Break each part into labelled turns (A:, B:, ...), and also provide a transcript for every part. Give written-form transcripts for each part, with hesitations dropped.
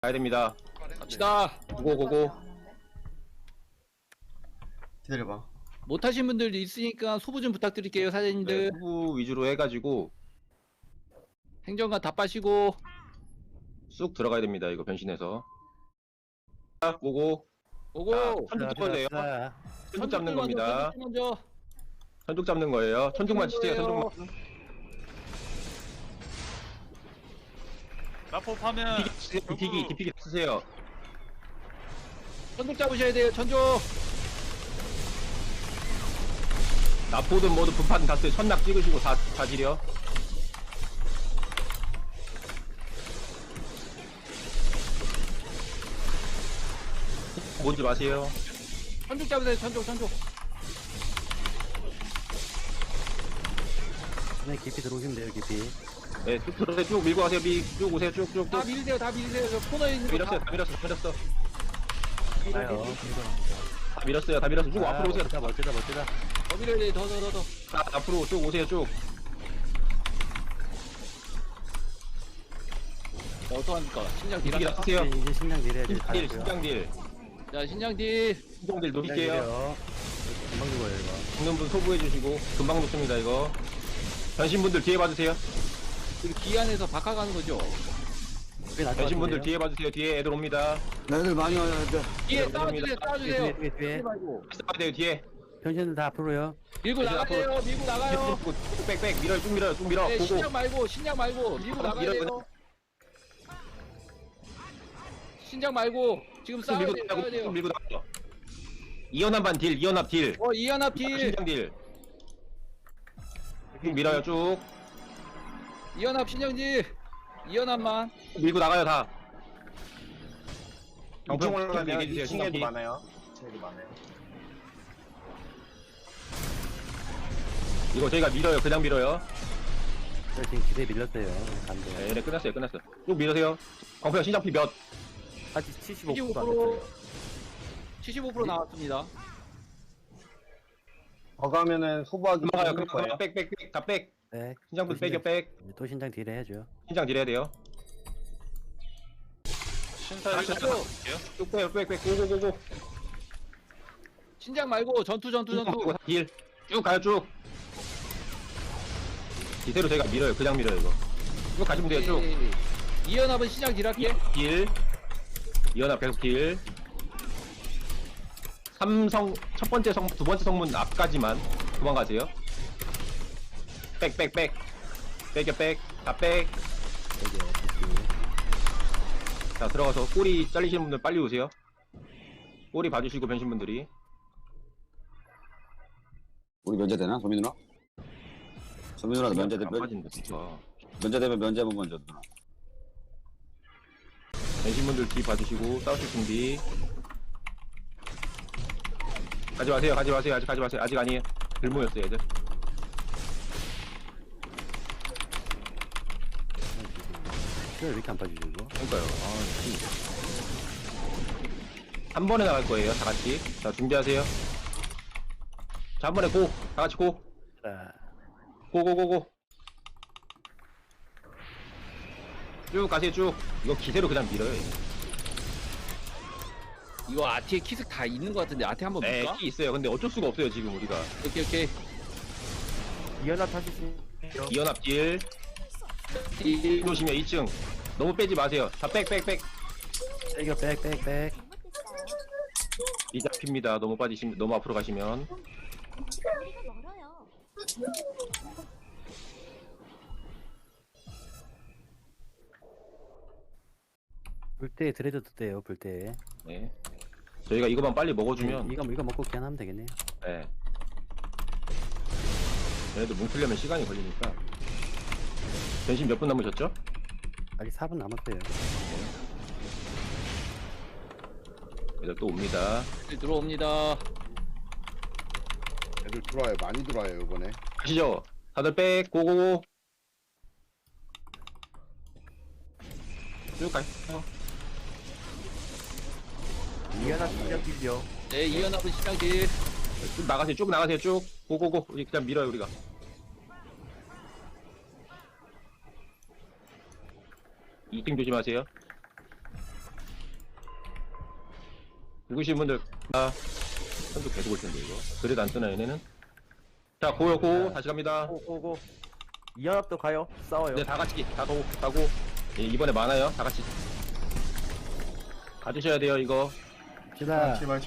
A: 가야 됩니다.
B: 갑시다.
A: 고고고고.
C: 기다려봐.
B: 못하신 분들도 있으니까 소부 좀 부탁드릴게요,
A: 네,
B: 사장님들.
A: 후보 위주로 해가지고
B: 행정관 다 빠시고.
A: 쑥 들어가야 됩니다. 이거 변신해서. 자, 고고.
B: 오고.
A: 천둥 잡아야 돼요. 천둥 잡는 겁니다.
B: 천둥 먼저.
A: 천둥 잡는 거예요. 천둥만 치세요.
B: 거예요.
A: 천둥만.
D: 라포하면
A: 디피기 쓰세요.
B: 천둥 잡으셔야 돼요, 천둥.
A: 나포든 뭐든 분판 다 쓰요. 천낙 찍으시고 다 지려. 뭔지 마세요.
B: 천둥 잡으세요, 천둥.
C: 네, 깊이 들어오시면 돼요, 깊이.
A: 네, 쭉 들어오세요. 쭉 밀고 가세요. 쭉 오세요. 쭉쭉.
B: 다 밀으세요, 다 밀으세요. 저 코너에 있는 거
A: 밀었어요.
B: 다.
A: 다 밀었어.
C: 가요.
A: 다 밀었어요. 쭉 앞으로 오세요.
C: 멋지다.
B: 더 밀어야 돼, 더.
A: 자, 앞으로 쭉 오세요. 쭉.
B: 자, 어떡합니까? 신장 딜.
A: 디피기 다 쓰세요.
C: 이제 신장 내려야 돼.
A: 딜, 신장딜.
B: 자, 신장 딜.
A: 신장딜 노릴게요.
C: 금방 죽어요, 이거.
A: 죽는 분 소부해주시고 금방 녹습니다. 이거. 변신분들 뒤에 봐주세요.
B: 여기 뒤 안에서 박아가는 거죠.
A: 변신분들 뒤에 봐주세요. 뒤에 애들 옵니다.
C: 애들 많이 와요, 애들.
B: 뒤에
A: 네,
B: 싸워주세요, 싸워주세요.
C: 뒤에.
B: 말고.
A: 싸워야 돼요. 뒤에.
C: 편신들 다 앞으로요.
B: 밀고
A: 이제
B: 나가세요, 밀고 나가요.
A: 빽빽 밀어요. 쭉 밀어요. 쭉 밀어.
B: 네,
A: 보고.
B: 신장 말고 밀고 나가야
A: 밀어요,
B: 돼요. 신장 말고 지금
A: 쭉
B: 싸워야
A: 밀고
B: 돼요,
A: 나가고
B: 싸워야
A: 쭉
B: 돼요.
A: 밀고 나가요. 이연합반 딜. 이연합 딜.
B: 이연합 딜.
A: 신장딜. 쭉 밀어요. 쭉.
B: 이연합 신장 딜. 이연합만.
A: 쭉 밀고 나가요. 다.
E: 경평 올라가면
A: 얘기해주세요.
E: 2층에도
A: 신장딜.
E: 많아요. 2층에도 많아요.
A: 이거 저희가 밀어요. 그냥 밀어요.
C: 저 지금 기대 밀렸어요. 간대.
A: 네, 끝났어요. 쭉 밀으세요. 광표형 신장피 몇?
C: 아직 75%도 안
B: 75%.
C: 됐어요.
B: 75% 나왔습니다.
E: 더 가면은 소부하기
A: 금방 가요.
E: 힘들
A: 금방 가요.
E: 거예요.
A: 빽. 다 빽.
C: 네.
A: 신장분
C: 또
A: 빽이요. 빽.
C: 또 신장 딜 해야죠.
A: 신장 딜해야 돼요.
D: 신사
A: 다시
D: 1차
A: 하죠. 쭉 빼요. 빽. 고고고고.
B: 신장 말고 전투.
A: 딜. 쭉 가요. 쭉. 이대로 저희가 밀어요. 그냥 밀어요. 이거. 쭉 가시면 돼요. 쭉.
B: 이연합은 신장 딜 할게.
A: 딜. 이연합 계속 딜. 첫 번째 성, 두 번째 성문 앞까지만 도망가세요. 빽. 빽이요. 빽. 다 빽. 자, 들어가서 꼬리 잘리시는 분들 빨리 오세요. 꼬리 봐주시고 변신분들이.
F: 우리 면제되나? 소민 누나? 소민 누나도
A: 안 빠진다, 진짜.
F: 면제되면 면제분 먼저 누나.
A: 변신분들 뒤 봐주시고 싸우실 준비. 가지 마세요. 아직 가지 마세요. 아직 아니에요. 들 모였어요, 애들.
C: 왜 이렇게 안 빠지죠, 이거?
A: 그러니까요. 한 번에 나갈 거예요, 다 같이. 자, 준비하세요. 자, 한 번에 고! 다 같이 고!
C: 자,
A: 고고고고! 쭉 가세요, 쭉! 이거 기세로 그냥 밀어요, 이거.
B: 이거 아티에 키스 다 있는 것 같은데 아티 한번
A: 네,
B: 볼까?
A: 키 있어요. 근데 어쩔 수가 없어요, 지금 우리가.
B: 오케이.
C: 이연합 타시지.
A: 이연합 딜. 딜 조심해, 2층. 너무 빼지 마세요. 다 빽.
C: 빽이요, 빽.
A: 이 잡힙니다. 너무 빠지시면, 너무 앞으로 가시면.
G: 멀어요.
C: 불때 드레드 떴대요, 불때.
A: 네. 저희가 이거만 빨리 먹어주면,
C: 이거 먹고 그냥 하면 되겠네요.
A: 네. 얘네들 뭉치려면 시간이 걸리니까. 변신 몇 분 남으셨죠?
C: 아직 4분 남았어요.
A: 얘들 또 옵니다.
B: 들어옵니다.
H: 애들 들어와요. 많이 들어와요 이번에.
A: 가시죠. 다들 빽, 고고고. 쭉 가시죠.
C: 이연합 신장 딜이요.
B: 네, 이연합은 신장 딜.
A: 쭉 나가세요, 쭉. 고고고. 우리 그냥 밀어요, 우리가. 이등 조심하세요. 누구신 분들 선도 계속 올 텐데 이거. 그래도 안 뜨나 얘네는? 자 고요 고 다시 갑니다.
D: 고고고. 이연합도 가요. 싸워요.
A: 네, 다 같이 가고. 예, 이번에 많아요. 다 같이 가주셔야 돼요 이거.
C: 제발.
E: 제발.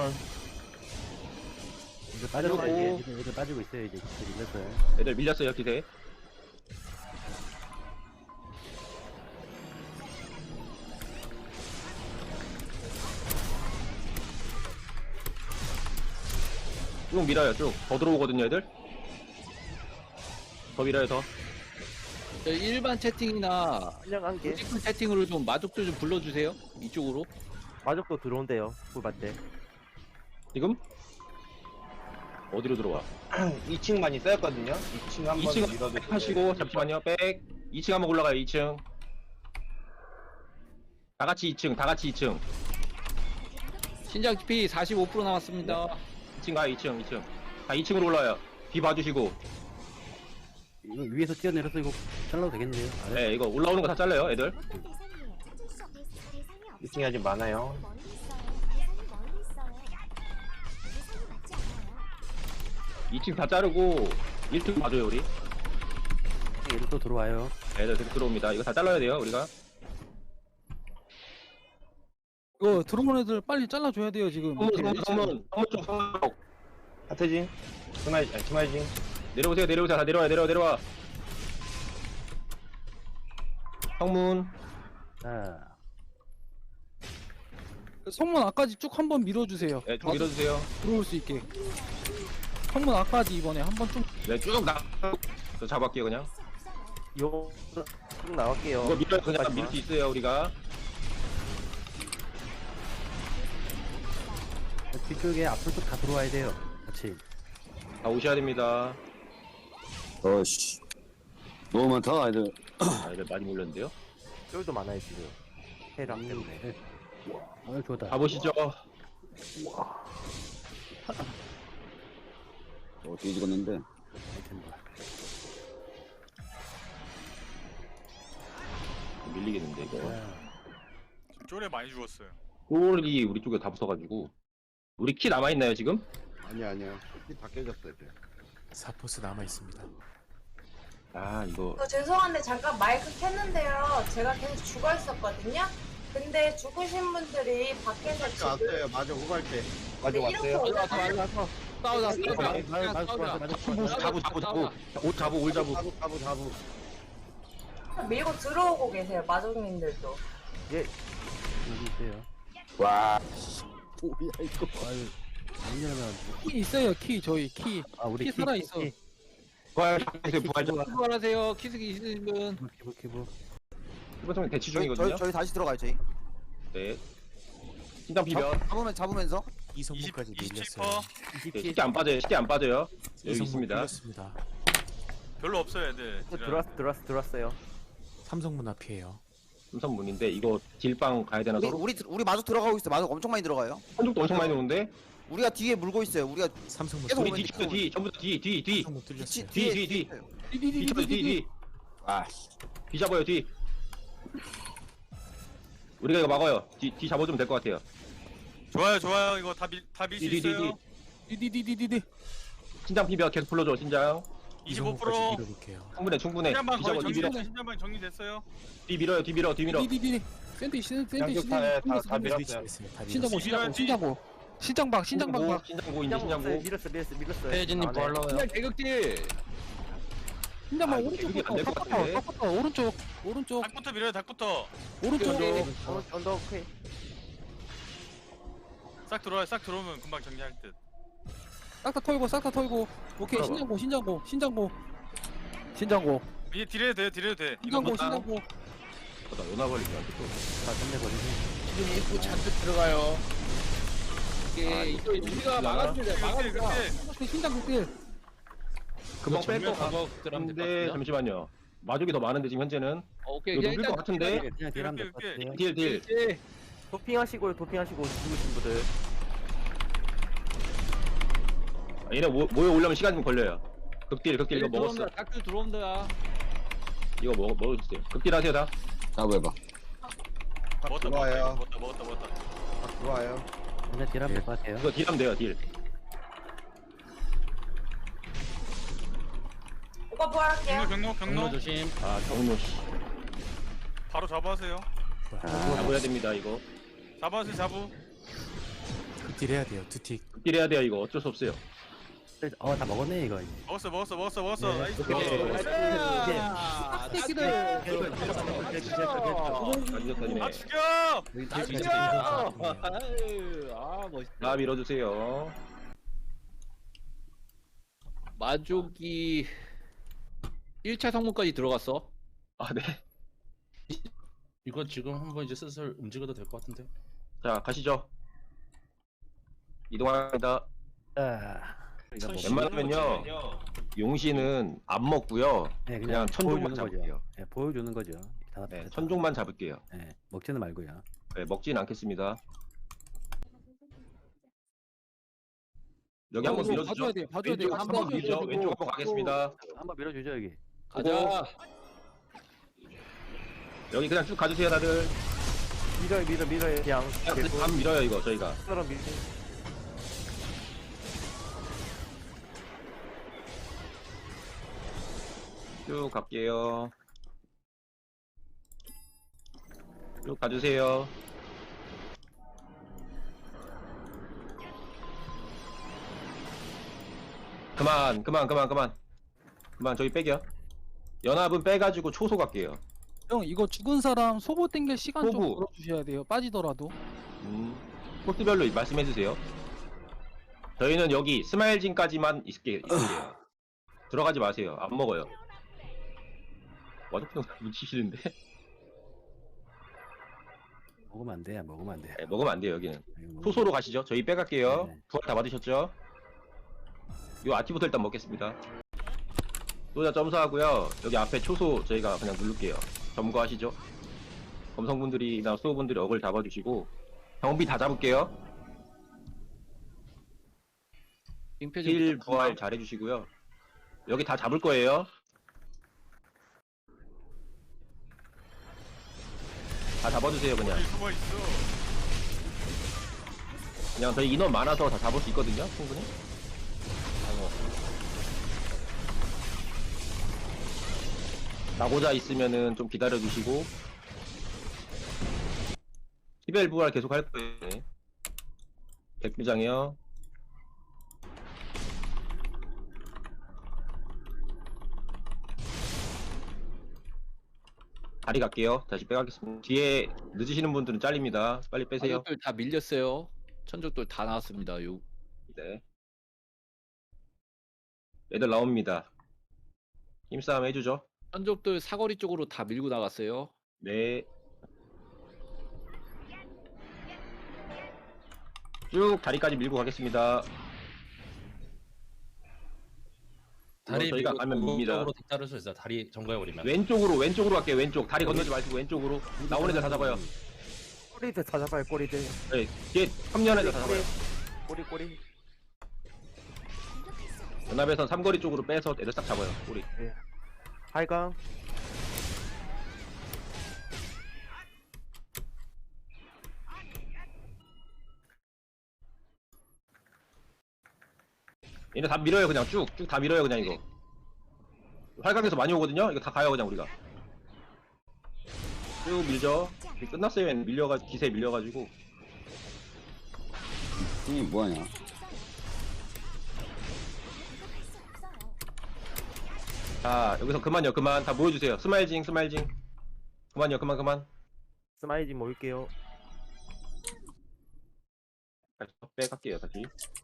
C: 이제 빠지고
A: 빠지고.
C: 애들 빠지고 있어요. 이제 기세 밀렸어요.
A: 애들 밀렸어요 기세. 쭉 밀어요 쭉. 더 들어오거든요 애들. 더 밀어요 더.
B: 저 일반 채팅이나
D: 그냥 한 개.
B: 직분 채팅으로 좀 마족들 좀 불러주세요. 이쪽으로.
D: 마족도 들어온대요. 꿀밭대.
A: 지금? 어디로 들어와?
E: 2층 많이 쌓였거든요. 2층 한번
A: 2층
E: 밀어도
A: 백 하시고 잠시만요. 백. 2층 한번 올라가요. 2층. 다 같이 2층.
B: 신장 GP 45% 남았습니다.
A: 2층 가요. 2층. 다 2층으로 올라와요. 뒤 봐주시고.
C: 이거 위에서 뛰어내려서 이거 잘라도 되겠네요. 아래.
A: 네, 이거 올라오는 거 다 잘라요, 애들.
G: 어떤 대상이에요? 찾을 수 없는 대상이 없어요.
E: 2층이 아직 많아요.
G: 멀리 있어요. 대상이 멀리 있어요. 대상이 맞지 않아요.
A: 2층 다 자르고 1층 봐줘요, 우리.
C: 얘들 또 들어와요.
A: 애들 계속 들어옵니다. 이거 다 잘라야 돼요, 우리가.
I: 이거 들어온 애들 빨리 잘라줘야 돼요 지금.
A: 성문 쪽.
E: 하트진. 스마이징.
A: 내려오세요. 다 내려와. 성문.
C: 자,
I: 성문 앞까지 쭉 한번 밀어주세요.
A: 네, 쭉 밀어주세요.
I: 들어올 수 있게. 성문 앞까지 이번에 한번 쭉.
A: 네, 쭉 저 잡을게요, 그냥.
D: 요. 쭉 나갈게요.
A: 이거 밀어요, 그냥
D: 마지막.
A: 밀 수 있어요, 우리가.
C: 뒤쪽에 앞으로 다 들어와야 돼요. 같이.
A: 다 오셔야 됩니다.
F: 어씨. 너무 많다, 애들.
A: 아, 애들 많이 몰렸는데요.
D: 쫄도 많아요 지금. 해랑 때문에.
C: 좋다.
A: 가보시죠.
F: 뒤집었는데.
C: 아이템 봐.
A: 밀리겠는데, 이거.
J: 쫄에 많이 죽었어요.
A: 홀이 우리 쪽에 다 붙어가지고. 우리 키 남아있나요, 지금?
H: 아니야. 다 깨졌어 이제.
K: 사포스 남아 있습니다.
A: 아, 이거.
L: 죄송한데 잠깐 마이크 켰는데요. 제가 계속 죽어 있었거든요. 근데 죽으신 분들이 밖에서 지금
H: 왔어요. 맞아, 후발대.
E: 아직 왔어요.
B: 싸우자.
A: 옷 잡고, 올 잡고.
H: 자부.
L: 밀고 들어오고 계세요. 마족님들도.
C: 여기 있어요.
F: 와. 뭐야, 이거.
C: 아유, 아니냐면.
I: 키 있어요 키 저희 키.
C: 아, 우리
I: 키 살아있어.
A: 부활 좀.
B: 수고하세요. 키스기 있으신 분.
C: 키보.
A: 이번 대치 중이거든요.
D: 저희 다시 들어가요 저희.
A: 네. 신장 비벼.
D: 잡으면서.
K: 이성문까지
J: 27%.
K: 밀렸어요.
A: 네, 쉽게 안 빠져요. 여기
K: 이성문
A: 있습니다.
K: 풀렸습니다.
J: 별로 없어요, 애들.
D: 들어왔어요.
K: 삼성문 앞이에요.
A: 삼성문인데 이거 딜빵 가야 되나 서로?
D: 우리 마족 들어가고 있어. 마족 엄청 많이 들어가요.
A: 한쪽도 엄청 많이 오는데.
D: 우리가 뒤에 물고 있어요. 우리가
K: 삼성문
D: 계속
A: 우리
D: 오면
A: 뒤 전부 다 뒤.
K: 삼성문 뚫렸어요.
A: 뒤. 아, 뒤 잡아요 뒤. 우리가 이거 막아요. 뒤 잡아주면 될 것 같아요.
J: 좋아요. 이거 다 밀 수 있어요.
I: 디디디디디디.
A: 신장 비벼 계속 불러줘 신장.
J: 25%.
K: 밀어볼게요.
A: 충분해.
J: 신장방
A: 뒤
J: 거의
A: 잡아 뒤 밀어.
J: 신장방 정리됐어요.
A: 뒤 밀어요. 뒤 밀어.
I: 디디디디. 센터
E: 양쪽타에 다 밀었어요.
K: 위치했어요. 다
I: 신장고
K: 밀었어요.
I: 신장고. 신장방 봐.
A: 신장고 이제 신장고.
D: 밀었어요.
B: 혜진님 부활러요. 신장 개극딜.
I: 신장방
A: 아, 이거
I: 오른쪽.
A: 개극이 안될것 같은데.
I: 닦았다. 오른쪽.
J: 닭부터 밀어요, 닭부터.
D: 언더 오케이.
J: 싹 들어오면 금방 정리할 듯.
I: 싹다 털고. 오케이 신장고.
J: 이제 딜해도 돼. 이거
I: 신장고.
A: 나 연화 걸리지 않겠어.
C: 다 끝내버리고.
B: 지금 입구 잔뜩 들어가요. 이게 이거 우리가 막아주자.
I: 신장고 뛸.
A: 금방
B: 정면
A: 뺄것
B: 작업 들어가면 될것
A: 같은데
B: 같은데요?
A: 잠시만요. 마족이 더 많은데 지금 현재는.
B: 오케이.
A: 이거
B: 그냥
A: 녹일 것 같은데.
C: 그냥 딜하면 될 것 같아요.
A: 딜.
B: 예.
D: 도핑하시고 죽으신 분들.
A: 얘네 모여 올려면 시간 좀 걸려요. 극딜 이거 먹었어.
B: 닭들 들어온다.
A: 이거 먹어주세요. 극딜 하세요 다.
F: 자부 해봐.
J: 먹었다.
H: 들어와요.
J: 먹었다.
H: 다 들어와요.
C: 그냥 딜하면 될 것 같아요.
A: 이거 딜하면 돼요, 딜.
L: 오빠 부활할게요.
J: 경로.
B: 조심.
A: 아, 경로 씨.
J: 바로 잡아하세요.
A: 잡아야 됩니다, 이거.
J: 잡아하세요, 잡우.
K: 딜 해야 돼요. 두틱.
A: 딜 해야 돼요, 이거. 어쩔 수 없어요.
C: 다 먹었네 이거.
J: 먹었어.
C: 네.
J: 나이스.
I: 새끼들.
J: 아, 죽여!
B: 아 멋있다.
A: 다 밀어주세요.
B: 마족이 1차 성문까지 들어갔어.
A: 아, 네.
B: 이거 지금 한번 이제 슬슬 움직여도 될 것 같은데.
A: 자, 가시죠. 이동합니다.
C: 자,
A: 웬만하면요, 용신은 안 먹고요.
C: 네,
A: 그냥 천종만
C: 보여주는
A: 잡을게요.
C: 거죠. 네, 보여주는 거죠. 다
A: 네,
C: 다-
A: 천종만 잡을게요.
C: 네, 먹지는 말고요.
A: 네, 먹지는 않겠습니다. 여기 한번 밀어주죠.
I: 봐줘야 돼. 봐줘야 돼.
A: 왼쪽 한번 밀죠. 왼쪽 한번 가겠습니다.
C: 한번 밀어주죠 여기.
B: 가자.
A: 여기 그냥 쭉 가주세요, 다들.
D: 밀어요 그냥
A: 그냥 감 밀어요, 이거 저희가.
D: 사람 밀
A: 쭉 갈게요. 쭉 가주세요. 그만 저기 빼겨. 연합은 빼가지고 초소 갈게요.
I: 형 이거 죽은 사람 소보 땡길 시간 좀
A: 소부.
I: 벌어주셔야 돼요. 빠지더라도.
A: 코스별로 말씀해주세요. 저희는 여기 스마일진까지만 있을게요. 들어가지 마세요. 안 먹어요. 와드프는 묻히시는데?
C: 먹으면 안 돼, 먹으면 안 돼.
A: 네, 먹으면 안 돼요, 여기는.
C: 이거 먹으면
A: 초소로 가시죠. 저희 빼갈게요.
C: 네.
A: 부활 다 받으셨죠? 요 아티부터 일단 먹겠습니다. 소자 점수하고요. 여기 앞에 초소 저희가 그냥 누를게요. 점거하시죠. 검성분들이나 수호분들이 어글 잡아주시고 경비 다 잡을게요. 힐 부활 잘해주시고요. 여기 다 잡을 거예요. 다 잡아주세요, 그냥.
J: 숨어 있어.
A: 그냥 저희 인원 많아서 다 잡을 수 있거든요, 충분히. 나고자 있으면은 좀 기다려주시고. 히벨 부활 계속 할 거예요. 네. 백부장이요. 다리 갈게요. 다시 빼가겠습니다. 뒤에 늦으시는 분들은 잘립니다. 빨리 빼세요.
B: 마족들 다 밀렸어요. 천족들 다 나왔습니다. 요.
A: 네. 애들 나옵니다. 힘싸움 해주죠.
B: 천족들 사거리 쪽으로 다 밀고 나갔어요.
A: 네. 쭉 다리까지 밀고 가겠습니다. 다리 저희가 가면 밉니다.
B: 따를 수 있어. 다리 점거해버리면.
A: 왼쪽으로 갈게요. 왼쪽. 다리 건너지 마시고 왼쪽으로. 나오는 애들 다 잡아요.
D: 꼬리들 다 잡아요 꼬리들.
A: 네. 뒤에 합류하는 애들 다 잡아요.
D: 꼬리.
A: 연합에선 삼거리 쪽으로 빼서 애들 딱 잡아요. 우리.
D: 하이강.
A: 얘네 다 밀어요. 그냥 쭉 다 밀어요. 그냥 이거. 활강에서 많이 오거든요. 이거 다 가요. 그냥 우리가. 쭉 밀죠. 이게 끝났어요. 얘는 밀려가지고 기세에 밀려가지고.
F: 이 뭐하냐?
A: 자 여기서 그만요. 그만 다 모여주세요. 스마일징. 그만요. 그만.
D: 스마이지 모일게요.
A: 다시 빼갈게요. 다시.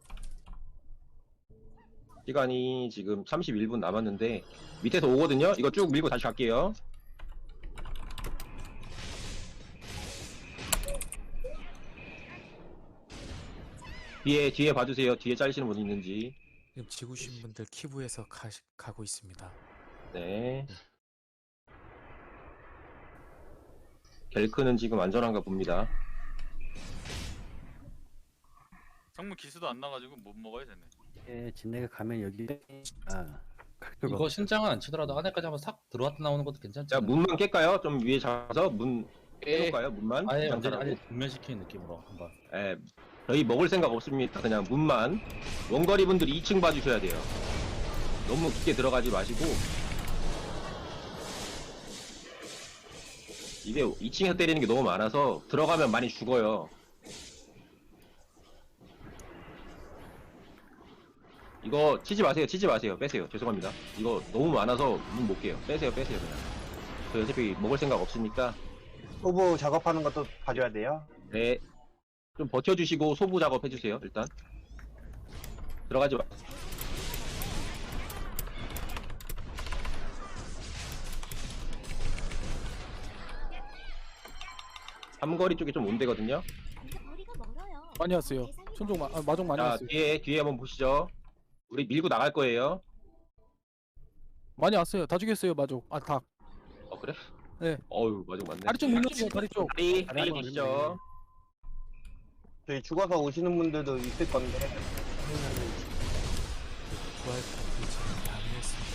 A: 시간이 지금 31분 남았는데 밑에서 오거든요. 이거 쭉 밀고 다시 갈게요. 뒤에 봐주세요. 뒤에 잘리시는 분 있는지.
K: 지금 지구신 분들 키부에서 가고 있습니다.
A: 네. 겔크는 지금 안전한가 봅니다.
J: 성문 기수도 안 나가지고 못 먹어야 되네.
C: 예, 진내가 가면 여기. 아,
B: 이거 신장은 안 치더라도 안에까지 한번 싹 들어왔다 나오는 것도 괜찮지.
A: 자 문만 깰까요? 좀 위에 잡아서 문
B: 예.
A: 깰까요? 문만?
B: 아예
A: 잠깐만요.
B: 완전히 분면시키는 느낌으로 한번.
A: 예, 저희 먹을 생각 없습니다. 그냥 문만. 원거리 분들이 2층 봐주셔야 돼요. 너무 깊게 들어가지 마시고. 이게 2층에서 때리는 게 너무 많아서 들어가면 많이 죽어요. 이거 치지 마세요. 치지 마세요. 빼세요. 죄송합니다. 이거 너무 많아서 문 못 깨요. 빼세요. 빼세요. 그냥. 저 어차피 먹을 생각 없으니까.
E: 소부 작업하는 것도 봐줘야 돼요.
A: 네. 좀 버텨주시고 소부 작업해주세요. 일단. 들어가지 마. 삼거리 쪽에 좀 온대거든요.
G: 거리가 멀어요.
I: 많이 왔어요. 천종 마종 많이
A: 자,
I: 왔어요.
A: 뒤에 한번 보시죠. 우리 밀고 나갈 거예요.
I: 많이 왔어요. 다 죽였어요 마종. 아 닭.
A: 그래?
I: 네.
A: 어유 맞아 맞네.
I: 다리 쪽 밀려주세요. 다리 쪽.
A: 다리 계시죠?
E: 저희 죽어서 오시는 분들도 있을 건데.
K: 부활 파티 양해했습니다.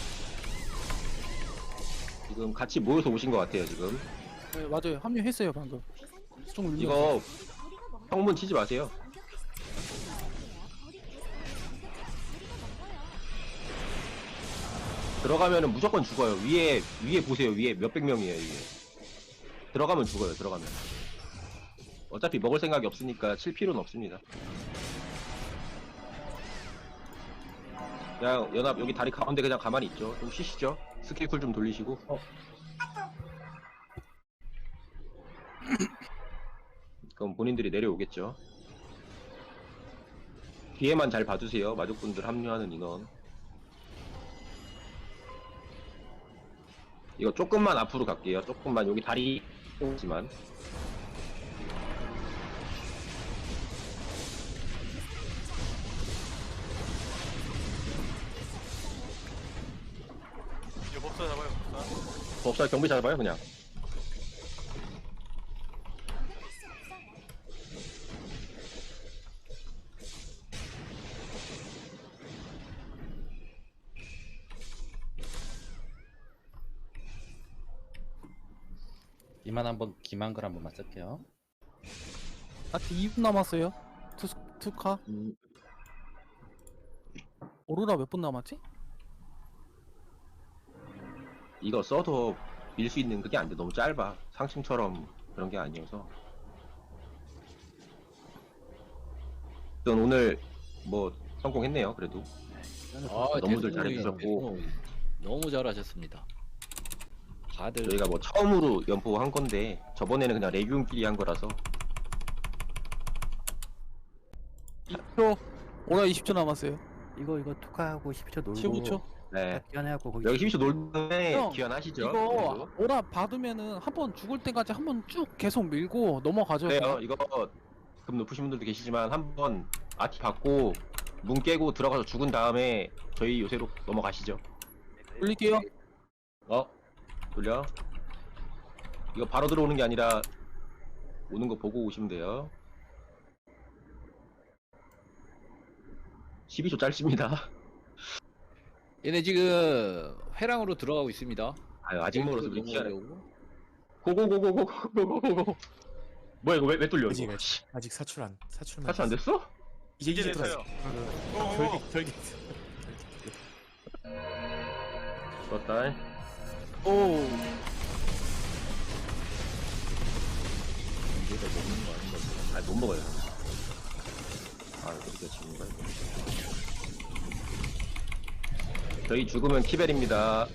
A: 지금 같이 모여서 오신 것 같아요 지금.
I: 네 맞아요. 합류했어요 방금. 좀 밀려.
A: 이거 성문 치지 마세요. 들어가면은 무조건 죽어요. 위에 보세요. 위에 몇백 명이에요 위에. 들어가면 죽어요. 들어가면. 어차피 먹을 생각이 없으니까 칠 필요는 없습니다. 그냥 연합 여기 다리 가운데 그냥 가만히 있죠. 좀 쉬시죠. 스킬 쿨 좀 돌리시고. 그럼 본인들이 내려오겠죠. 뒤에만 잘 봐주세요. 마족분들 합류하는 인원. 이거 조금만 앞으로 갈게요. 조금만 여기 다리 있지만.
J: 이제 법사 잡아요. 법사.
A: 법사 경비 잡아요 그냥.
C: 기만글 한 번만 쓸게요.
I: 아트 2분 남았어요. 투카. 오로라 몇 분 남았지?
A: 이거 써도 밀 수 있는 그게 안 돼. 너무 짧아. 상층처럼 그런 게 아니어서. 일단 오늘 뭐 성공했네요. 그래도. 너무들 잘해주셨고.
B: 너무 잘하셨습니다. 다들
A: 저희가 뭐 처음으로 연포한 건데 저번에는 그냥 레기온끼리 한 거라서.
I: 20초. 오라 20초 남았어요.
C: 이거 투카하고 10초 놀고
I: 15초.
A: 네.
C: 기한해갖고 거기
A: 여기 12초 놀던데
I: 형,
A: 귀환하시죠.
I: 이거 오라 받으면은 한 번 죽을 때까지 한 번 쭉 계속 밀고 넘어가죠.
A: 그래요. 이거 금 높으신 분들도 계시지만 한번 아티 받고 문 깨고 들어가서 죽은 다음에 저희 요새로 넘어가시죠.
I: 올릴게요.
A: 돌려. 이거 바로 들어오는 게 아니라 오는 거 보고 오시면 돼요. 12초 짧습니다.
B: 얘네 지금 회랑으로 들어가고 있습니다.
A: 아유, 아직 멀어서 우리 기아래.
B: 넘어가려고.
A: 고고고고고고고고고. 뭐야 이거 왜 뚫려 이거?
K: 아직 사출만
A: 사실 안 됐어?
K: 이제
J: 됐어요.
K: 들어왔어. 결계.
A: 그렇다.
I: 오.
A: 이제가 먹는 거 아닌 거지? 아, 못 먹어요. 그렇게 지는 거야. 저희 죽으면 키벨입니다.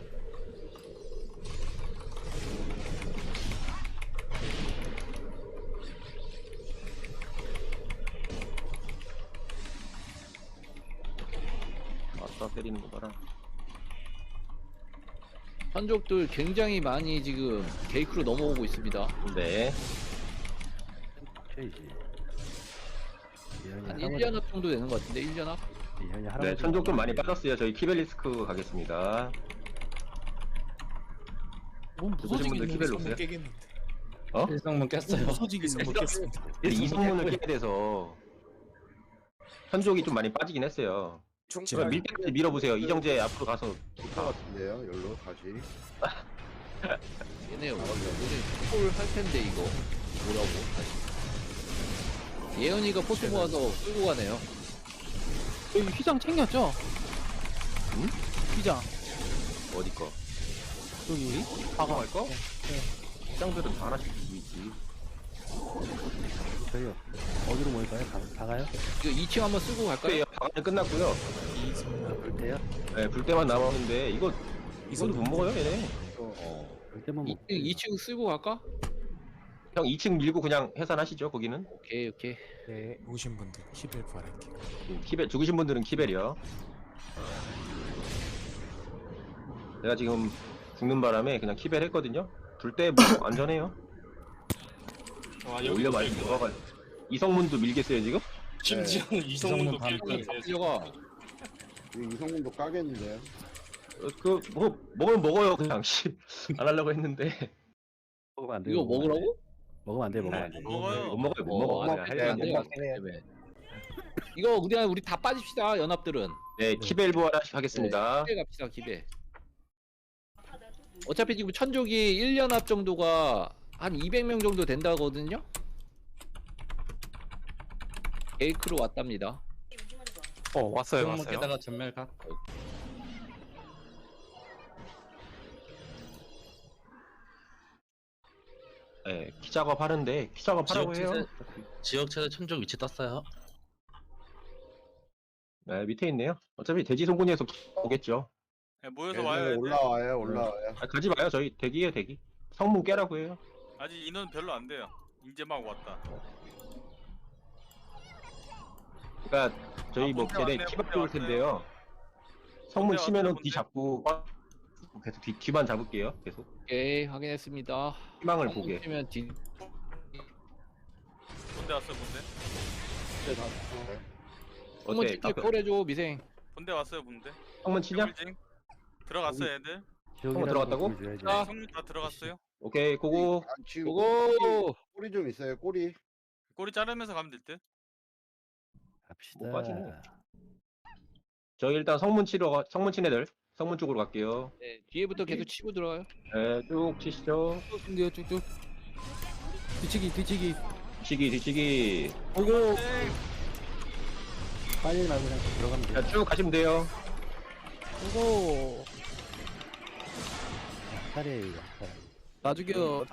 A: 아싸 때리는 거 봐라.
B: 한족들 굉장히 많이 지금 게이크로 넘어오고 있습니다.
A: 네.
B: 한 1연합 정도 되는 것 같은데 1연합?
A: 네, 천족 좀 많이 빠졌어요. 저희 키벨리스크 가겠습니다.
I: 너무
A: 죽으신 분들
I: 무서지겠네.
A: 키벨 놓으세요.
K: 깨겠는데.
C: 일성문 깼어요.
I: 무서지겠네.
K: 먹겠습니다.
A: 이 성문을 깨야 돼서 천족이 좀 많이 빠지긴 했어요. 제가 밀 때까지 밀어보세요. 이정재 앞으로 가서
H: 것 같은데요. 열로 다시.
B: 얘네 오늘 콜할 텐데 이거 뭐라고 다시. 예은이가 포트 모아서 끌고 가네요.
I: 여기 휘장 챙겼죠?
A: 응?
I: 휘장
A: 어디 거?
I: 여기
A: 파가 할 거? 시장들은 다 하나씩 주고 있지.
C: 저희요. 어디로 모일까요? 가가요?
B: 이거 2층 한번 쓰고 갈까요?
A: 네, 방안은 끝났고요.
C: 볼 때요?
A: 네, 불 때만 남았는데 이거도 못 먹어요, 얘네.
C: 볼 때만 먹고.
B: 2층 쓰고 갈까?
A: 형 2층 밀고 그냥 해산하시죠, 거기는.
B: 오케이.
K: 네. 오신 분들 키벨 부활할게요.
A: 키벨 죽으신 분들은 키벨이요. 내가 지금 죽는 바람에 그냥 키벨 했거든요. 불 때 뭐 안전해요. 올려 많이 들어가. 이성문도 밀겠어요 지금?
H: 심지어는
C: 이성문 밤
B: 가려가.
H: 이성문도 까겠는데요.
A: 뭐 먹으면 먹어요 그냥. 안 하려고 했는데.
C: 먹으면 안 돼요.
B: 이거 먹으라고?
C: 먹으면 안 돼. 먹으면 안 돼.
J: 먹어요.
A: 못 먹어요 못 먹어.
B: 안 돼, 안 돼. 이거 우리 다 빠집시다. 연합들은.
A: 네 키벨 부활하겠습니다.
B: 기배 갑시다. 기배. 어차피 지금 천족이 1연합 정도가 한 200명 정도 된다거든요. 에이크로 왔답니다.
J: 왔어요.
K: 게다가 전멸각.
A: 네, 키 작업 하는데 키 작업 하라고 해요.
K: 지역체제 천적 위치 떴어요.
A: 네 밑에 있네요. 어차피 돼지 송곳니에서 오겠죠.
J: 네, 모여서
H: 얘네
J: 와요. 애들.
H: 올라와요.
A: 아, 가지 마요 저희 대기예요 대기. 성문 깨라고 해요.
J: 아직 인원 별로 안 돼요. 이제 막 왔다.
A: 그러니까 저희 뭐
J: 본대
A: 걔네
J: 왔네요,
A: 키박
J: 본대
A: 올
J: 왔어요.
A: 텐데요. 성문
J: 본대
A: 치면은
J: 왔어요,
A: 뒤
J: 본대.
A: 잡고 계속 뒤만 잡을게요. 계속
B: 오케이, 확인했습니다.
A: 희망을 보게.
B: 면 뒤.
J: 본대 왔어요. 본대.
B: 한번
A: 어때?
B: 찍게 콜해줘 미생.
J: 본대 왔어요. 본대.
A: 성문 치냐?
J: 더블징. 들어갔어요 애들.
C: 지역이라도
A: 들어갔다고?
C: 보여줘야지.
B: 아.
J: 성문 다 들어갔어요.
A: 오케이 고고.
H: 지금
B: 고고.
H: 꼬리 좀 있어요. 꼬리.
J: 꼬리 자르면서 가면 될 듯.
C: 갑시다.
A: 못 빠지네. 저희 일단 성문 친 애들 성문 쪽으로 갈게요.
B: 네, 뒤에부터 계속 치고 들어가요.
A: 네, 쭉 치시죠.
I: 근데요 쭉쭉 뒤치기
A: 뒤치기.
I: 오고
C: 빨리 말고 그냥 들어가면 돼.
A: 자, 쭉 가시면 돼요.
I: 오고
C: 차례예요.
I: 다 죽여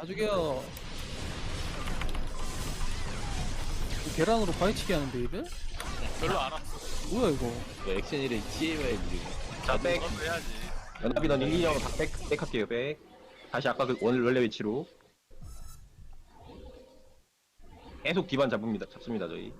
I: 계란으로 바위치기 하는데 얘들?
J: 별로 안 왔어.
I: 뭐야 이거?
B: 액션이래 치해야지.
A: 자, 백.
J: 그것도 해야지.
A: 연합이 넌 1, 2년 백 할게요, 백. 다시 아까 그 원래 위치로. 계속 뒤반 잡습니다, 저희.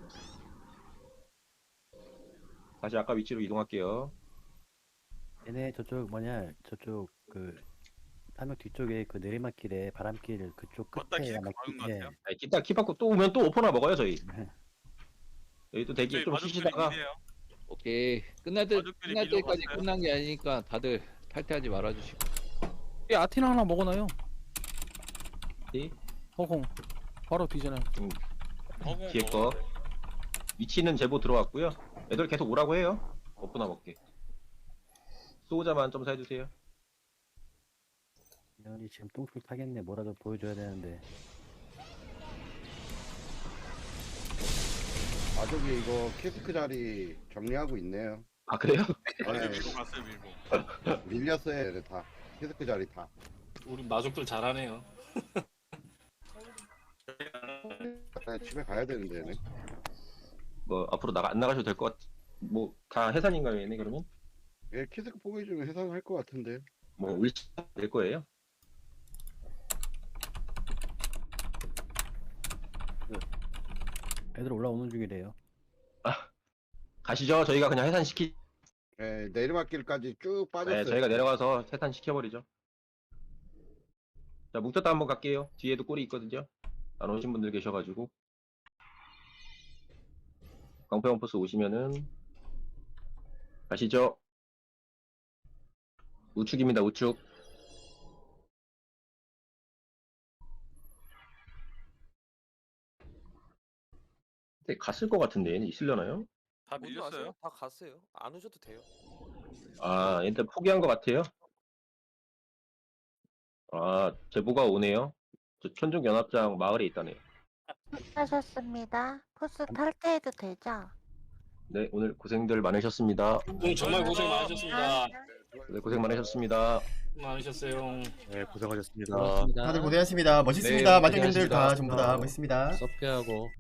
A: 다시 아까 위치로 이동할게요.
C: 얘네 저쪽 저쪽 그 탐욕 뒤쪽에 그 내리막길에 바람길 그쪽
J: 걷다
C: 끝에
J: 키가
C: 아마
J: 막은 것
C: 예.
J: 같아요.
A: 아니, 기타 키 받고 또 오면 또 오퍼나 먹어요, 저희.
C: 네.
A: 여기 또 대기
J: 저희
A: 좀
J: 마족들이
A: 쉬시다가.
J: 미네요.
B: 오케이. 끝날
J: 가족들이
B: 때까지
J: 밀려갔어요.
B: 끝난 게 아니니까 다들 탈퇴하지 말아주시고.
I: 이 아티나 하나 먹어놔요.
A: 네.
I: 허공 바로 뒤잖아요.
A: 뒤에 거. 위치는 제보 들어왔고요. 애들 계속 오라고 해요. 오퍼나 먹게. 수호자만 좀 사해주세요.
C: 연이 지금 똥술 타겠네. 뭐라도 보여줘야 되는데.
H: 아저기 이거 키스크 자리 정리하고 있네요.
A: 아, 그래요?
J: 먼저
H: 네,
J: 밀고 갔어요. 밀고.
H: 밀렸어요. 얘네 다. 키스크 자리 다.
K: 우리 마족들 잘하네요.
H: 집에 가야 되는데 얘네.
A: 뭐, 앞으로 안 나가셔도 될 것 같, 뭐, 다 해산인가요, 얘네, 그러면?
H: 얘 키스크 포기해주면 해산할 것 같은데.
A: 뭐, 울치 될 거예요?
C: 애들 올라오는 중이래요.
A: 가시죠. 저희가 그냥 해산시키,
H: 예, 내리막길까지 쭉 빠졌어요.
A: 네, 저희가 내려가서 해산시켜버리죠. 자, 뭉쳤다 한번 갈게요. 뒤에도 꼴이 있거든요. 안 오신 분들 계셔가지고. 광패원포스 오시면은, 가시죠. 우측입니다, 우측. 근데 갔을 것 같은데, 얘는 있으려나요?
J: 다 밀렸어요.
K: 다 갔어요. 안 오셔도 돼요.
A: 아, 일단 포기한 것 같아요. 아, 제보가 오네요. 저 천중연합장 마을에 있다네요.
G: 하셨습니다. 포스 탈퇴해도 되죠?
A: 네, 오늘 고생들 많으셨습니다.
J: 정말 고생 많으셨습니다.
A: 네, 고생 많으셨습니다.
J: 많으셨어요.
D: 네, 고생하셨습니다.
M: 다들 고생하셨습니다. 멋있습니다.
A: 네,
M: 마중님들 다
A: 고생하셨습니다.
M: 전부 다 멋있습니다.
B: 섭게하고